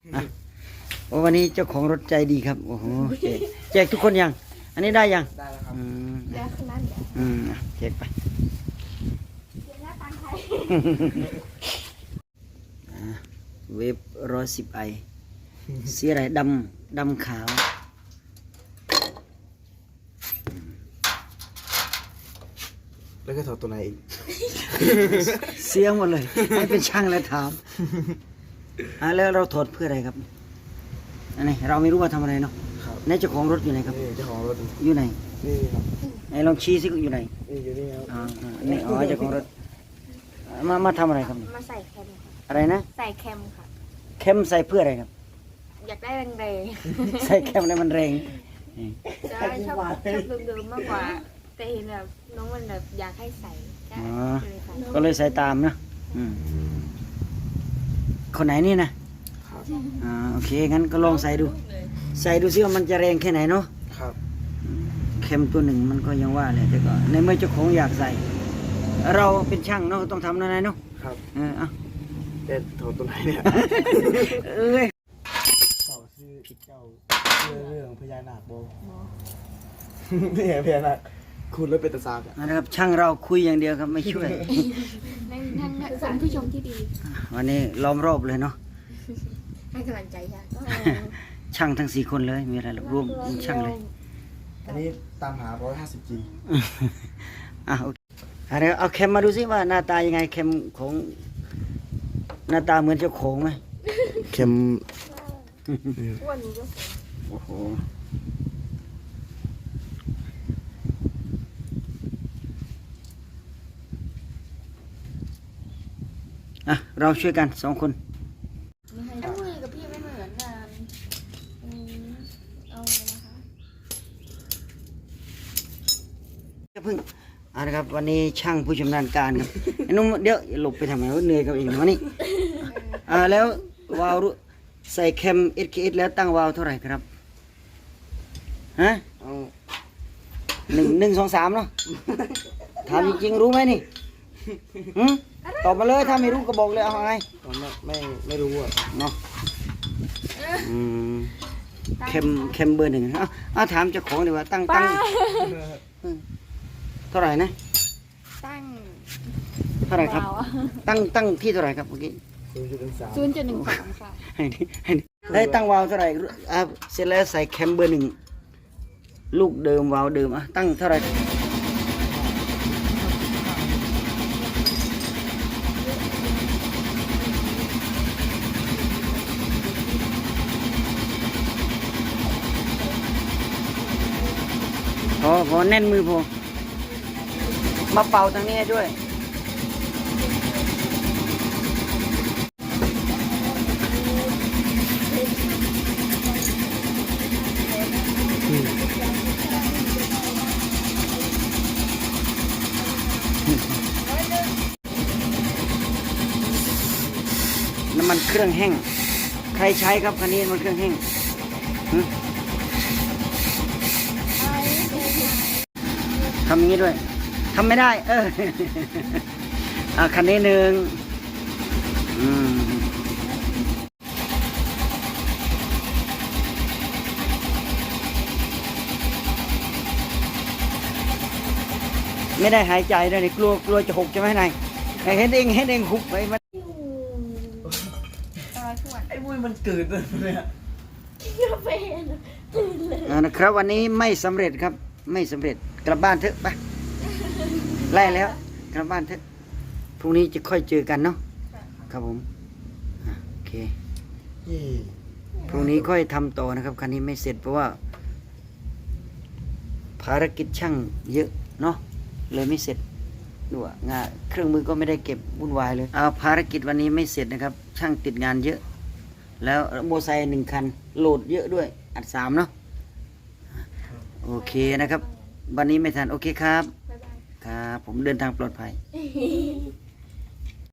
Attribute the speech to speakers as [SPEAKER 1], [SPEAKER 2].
[SPEAKER 1] อ่ะโอ้วันนี้เจ้าของรถใจดีครับโอ้โหแจกทุกคนยังอันนี้ได้ยัง
[SPEAKER 2] ได้แล้วครับ
[SPEAKER 3] แล้วคืนนั้นเดี๋ยว
[SPEAKER 1] แจกไป
[SPEAKER 3] เดี๋ยวหน้าตังไทย
[SPEAKER 1] เวฟ110ไอสีอะไรดำขาว
[SPEAKER 2] แล้วก็ถอดตัวไหนอีก
[SPEAKER 1] เสียงหมดเลยให้เป็นช่างแล้วถามแล้วเราถอดเพื่ออะไรครับอันนี้เราไม่รู้ว่าทำอะไรเนาะ
[SPEAKER 2] ครับ
[SPEAKER 1] ในเจ้าของรถอยู่ไหนครับ
[SPEAKER 2] นี่เจ้าของรถ
[SPEAKER 1] อยู่ไหน
[SPEAKER 2] นี่ครับ
[SPEAKER 1] ไหนลองชี้สิอยู่ไหน
[SPEAKER 2] นี่อยู่นี่ครับ
[SPEAKER 1] นี่เจ้าของรถมาทำอะไรครับ
[SPEAKER 3] มาใส่แคมค่ะ
[SPEAKER 1] อะไรนะ
[SPEAKER 3] ใส่แคมค่ะ
[SPEAKER 1] เข้มใส่เพื่ออะไรครับ
[SPEAKER 3] อยากได้แรง
[SPEAKER 1] ใส่เข้มแล้วมันแรง
[SPEAKER 3] ๆจะชอบเดิมๆมากกว่า แต่เห็นแบบน้องมันแบบอยากให้ใส่ก็เลยใส่
[SPEAKER 1] ก็เลยใส่ตามนะคนไหนนี่นะ
[SPEAKER 2] ครับ
[SPEAKER 1] โอเคงั้นก็ลองใส่ดู ใส่ดูซิว่ามันจะแรงแค่ไหนเนาะ
[SPEAKER 2] ครับ
[SPEAKER 1] เข็มตัวหนึ่งมันก็ยังว่าเลยแต่ก็ในเมื่อเจ้าของอยากใส่ เราเป็นช่างเนาะต้องทำนั่นเนาะ
[SPEAKER 2] ครับ
[SPEAKER 1] เอา
[SPEAKER 2] แต่ถอดตัวไหนเนี่ย
[SPEAKER 1] เอ้ย
[SPEAKER 2] เจ้าชื่อเจ้าเรื่องพญานาคโบนี่ไงพญานาคคุณแล้วเป็นตาซากอ่ะ
[SPEAKER 1] นะครับช่างเราคุยอย่างเดียวครับไม่ช่วย
[SPEAKER 3] นั่งสมผู้ชมที่ดี
[SPEAKER 1] วันนี้ล้อมรอบเลยเนาะ
[SPEAKER 3] ให้กำลังใจค่ะ
[SPEAKER 1] ช่างทั้ง4 คนเลยมีอะไรหรอกรวมช่างเลย
[SPEAKER 2] อันนี้ตามหา 150G
[SPEAKER 1] โอเคเอาเข็มมาดูซิว่าหน้าตายังไงเข็มของหน้าตาเหมือนเจ้าของไหม
[SPEAKER 2] เข็ม
[SPEAKER 3] อ้วนก็
[SPEAKER 1] โอ้โหเราช่วยกัน2 คน
[SPEAKER 3] ไอ้มือกับพี่ไม่เหมือนกันเอาเลยนะคะ
[SPEAKER 1] เพิ่งนะครับวันนี้ช่างผู้ชำนาญการครับ ไอ้นุ่มเดี๋ยวหลบไปทำไมวะเหนื่อยกับเองวะนี่แล้ววาล์วใส่แคม SKS แล้วตั้งวาล์วเท่าไหร่ครับฮะ
[SPEAKER 2] เอา
[SPEAKER 1] 1 2 3เนาะถามจริงๆรู้ไหมนี่ตอบมาเลยถ้าไม่รู้ก็บอกเลยเอาไง
[SPEAKER 2] ผมไม่รู้อ่ะ
[SPEAKER 1] เนาะเข็มเบอร์ 1ถามเจ้าของดีกว่าตั้งเท่าไหร่นะ
[SPEAKER 3] ตั้ง
[SPEAKER 1] เท่าไหร่ครับตั้งที่เท่าไหร่ครับเมื่อกี้
[SPEAKER 3] 0.13ค่ะ
[SPEAKER 1] ให้ตั้งวาล์วเท่าไหร่เสร็จแล้วใส่แคมเบอร์ 1ลูกเดิมวาล์วเดิมตั้งเท่าไหร่พอแน่นมือพอมาเป่าทางนี้ด้วย น้ำมันเครื่องแห้งใครใช้ครับคันนี้น้ำมันเครื่องแห้งทำอย่างนี้ด้วยทำไม่ได้คันนี้1ไม่ได้หายใจด้วยนี่กลัวจะหกใช่ไหมนายเห็นเองหุบไปมัน
[SPEAKER 2] ไอ้บุ้ยมันเกิดเลยเนี่ย
[SPEAKER 1] นะครับวันนี้ไม่สำเร็จครับไม่สำเร็จกลับบ้านเถอะไปไล่แล้วกลับบ้านเถอะพรุ่งนี้จะค่อยเจอกันเนาะครับผมโอเคพรุ่งนี้ค่อยทำต่อนะครับคันนี้ไม่เสร็จเพราะว่า ภารกิจช่างเยอะเนาะเลยไม่เสร็จด้วยงานเครื่องมือก็ไม่ได้เก็บวุ่นวายเลยภารกิจวันนี้ไม่เสร็จนะครับช่างติดงานเยอะแล้วโมไซค์1 คันโหลดเยอะด้วยอัด3เนาะโอเคนะครับวันนี้ไม่ทันโอเคครับ
[SPEAKER 3] บ๊ายบาย
[SPEAKER 1] ครับผมเดินทางปลอดภัย